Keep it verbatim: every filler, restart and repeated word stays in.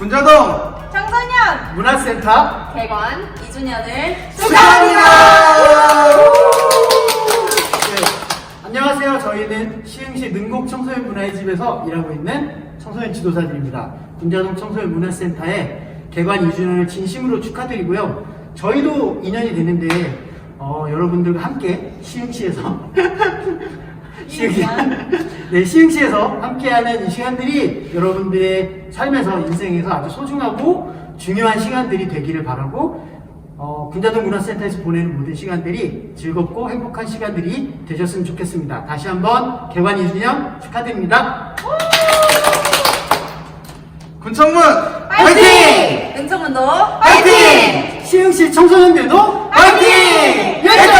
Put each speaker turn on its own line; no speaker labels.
군자동
청소년
문화센터
개관 이 주년을
축하합니다. 네, 안녕하세요. 저희는 시흥시 능곡 청소년 문화의 집에서 일하고 있는 청소년 지도사들입니다. 군자동 청소년 문화센터의 개관 이 주년을 진심으로 축하드리고요. 저희도 이 년이 됐는데 어, 여러분들과 함께 시흥시에서 시흥시, 네, 시흥시에서 함께하는 이 시간들이 여러분들의 삶에서 인생에서 아주 소중하고 중요한 시간들이 되기를 바라고 어, 군자동 문화센터에서 보내는 모든 시간들이 즐겁고 행복한 시간들이 되셨으면 좋겠습니다. 다시 한번 개관 이 주년 축하드립니다.
군청문
파이팅! 은청문도
파이팅! 시흥시 청소년들도 파이팅! 열정!